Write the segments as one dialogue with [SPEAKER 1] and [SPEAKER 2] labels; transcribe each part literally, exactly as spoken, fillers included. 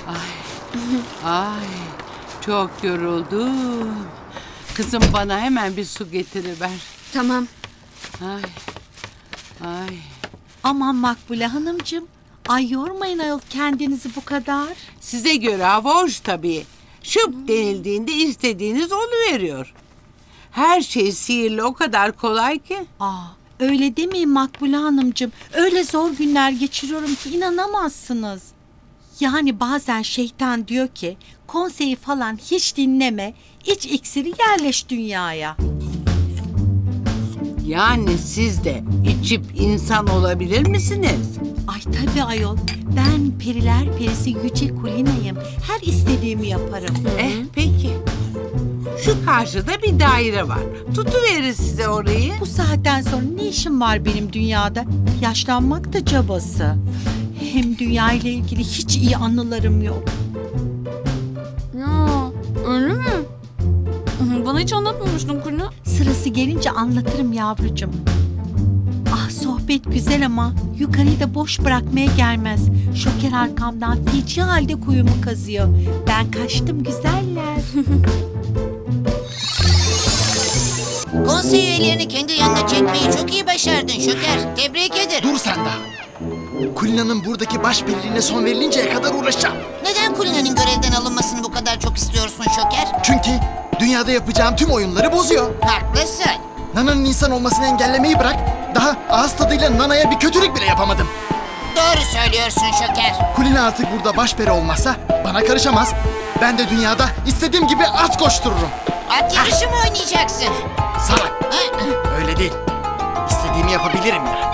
[SPEAKER 1] Ay, çok yoruldum. Kızım bana hemen bir su getiriver.
[SPEAKER 2] Tamam.
[SPEAKER 1] Ay, ay.
[SPEAKER 3] Aman Makbule Hanımcığım. Ay yormayın ayol kendinizi bu kadar.
[SPEAKER 1] Size göre hava hoş tabii. Şıp denildiğinde istediğiniz oluveriyor. Her şey sihirli o kadar kolay ki.
[SPEAKER 3] Aa, öyle demeyin Makbule Hanımcığım. Öyle zor günler geçiriyorum ki inanamazsınız. Yani bazen şeytan diyor ki konseyi falan hiç dinleme. İç iksiri yerleş dünyaya.
[SPEAKER 1] Yani siz de içip insan olabilir misiniz?
[SPEAKER 3] Ay tabii ayol. Ben periler perisi Yüce Kulina'yım. Her istediğimi yaparım.
[SPEAKER 1] Eh peki. Şu karşıda bir daire var. Tutuverir size orayı.
[SPEAKER 3] Bu saatten sonra ne işim var benim dünyada? Yaşlanmak da cabası. Hem dünya ile ilgili hiç iyi anılarım yok.
[SPEAKER 2] Ya öyle mi? Bana hiç anlatmamıştın Kulina.
[SPEAKER 3] Sırası gelince anlatırım yavrucuğum. Ah sohbet güzel ama yukarıyı da boş bırakmaya gelmez. Şoker arkamdan feci halde kuyumu kazıyor. Ben kaçtım güzeller.
[SPEAKER 4] Konsey üyelerini kendi yanına çekmeyi çok iyi başardın Şoker. Tebrik ederim.
[SPEAKER 5] Dur sen daha. Kulina'nın buradaki baş belirliğine son verilinceye kadar uğraşacağım.
[SPEAKER 4] Neden Kulina'nın görevden alınmasını bu kadar çok istiyorsun Şoker?
[SPEAKER 5] Çünkü dünyada yapacağım tüm oyunları bozuyor.
[SPEAKER 4] Haklısın.
[SPEAKER 5] Nana'nın insan olmasını engellemeyi bırak, daha ağız tadıyla Nana'ya bir kötülük bile yapamadım.
[SPEAKER 4] Doğru söylüyorsun Şoker.
[SPEAKER 5] Kulina artık burada başperi olmazsa bana karışamaz. Ben de dünyada istediğim gibi at koştururum.
[SPEAKER 4] At yarışı mı oynayacaksın?
[SPEAKER 5] Salak.
[SPEAKER 4] Ha?
[SPEAKER 5] Öyle değil. İstediğimi yapabilirim ya.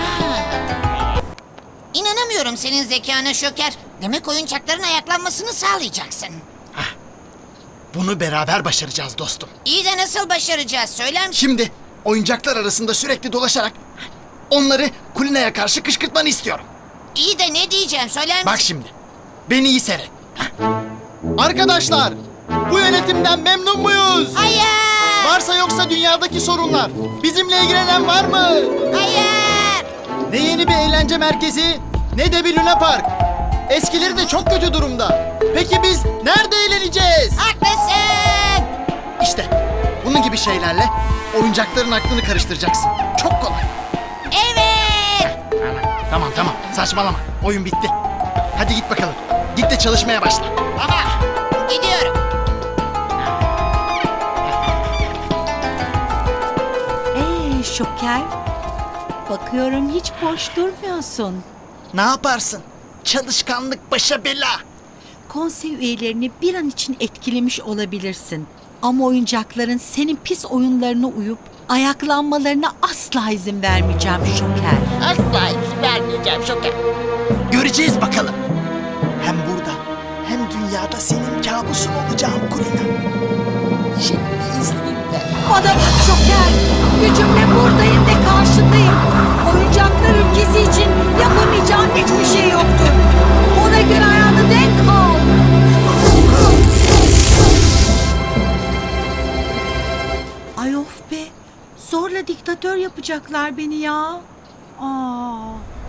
[SPEAKER 4] İnanamıyorum senin zekana Şoker. Demek oyuncakların ayaklanmasını sağlayacaksın.
[SPEAKER 5] Bunu beraber başaracağız dostum.
[SPEAKER 4] İyi de nasıl başaracağız söyler misin?
[SPEAKER 5] Şimdi oyuncaklar arasında sürekli dolaşarak onları Kulina'ya karşı kışkırtmanı istiyorum.
[SPEAKER 4] İyi de ne diyeceğim söyler misin?
[SPEAKER 5] Bak şimdi. Beni iyi seyret. Arkadaşlar, bu yönetimden memnun muyuz?
[SPEAKER 4] Hayır!
[SPEAKER 5] Varsa yoksa dünyadaki sorunlar. Bizimle ilgilenen var mı?
[SPEAKER 4] Hayır!
[SPEAKER 5] Ne yeni bir eğlence merkezi, ne de bir Luna Park. Eskileri de çok kötü durumda. Peki biz nerede eğleneceğiz?
[SPEAKER 4] Haklısın!
[SPEAKER 5] İşte bunun gibi şeylerle oyuncakların aklını karıştıracaksın. Çok kolay.
[SPEAKER 4] Evet!
[SPEAKER 5] Tamam tamam, saçmalama. Oyun bitti. Hadi git bakalım. Git de çalışmaya başla.
[SPEAKER 4] Baba, gidiyorum.
[SPEAKER 3] Ee Şoker. Bakıyorum hiç boş durmuyorsun.
[SPEAKER 5] Ne yaparsın? Çalışkanlık başa bela.
[SPEAKER 3] Konsey üyelerini bir an için etkilemiş olabilirsin. Ama oyuncakların senin pis oyunlarına uyup ayaklanmalarına asla izin vermeyeceğim Şoker.
[SPEAKER 4] Asla izin vermeyeceğim Şoker.
[SPEAKER 5] Göreceğiz bakalım. Hem burada hem dünyada senin kabusun olacağım Kulina. Şimdi izninle.
[SPEAKER 3] Bana bak Şoker. Gücümle buradayım ve karşındayım. Oyuncaklar ülkesi için yapamayacağım hiçbir şey yoktur. Ona göre ayağını denk al. Ay of be. Zorla diktatör yapacaklar beni ya. Aa.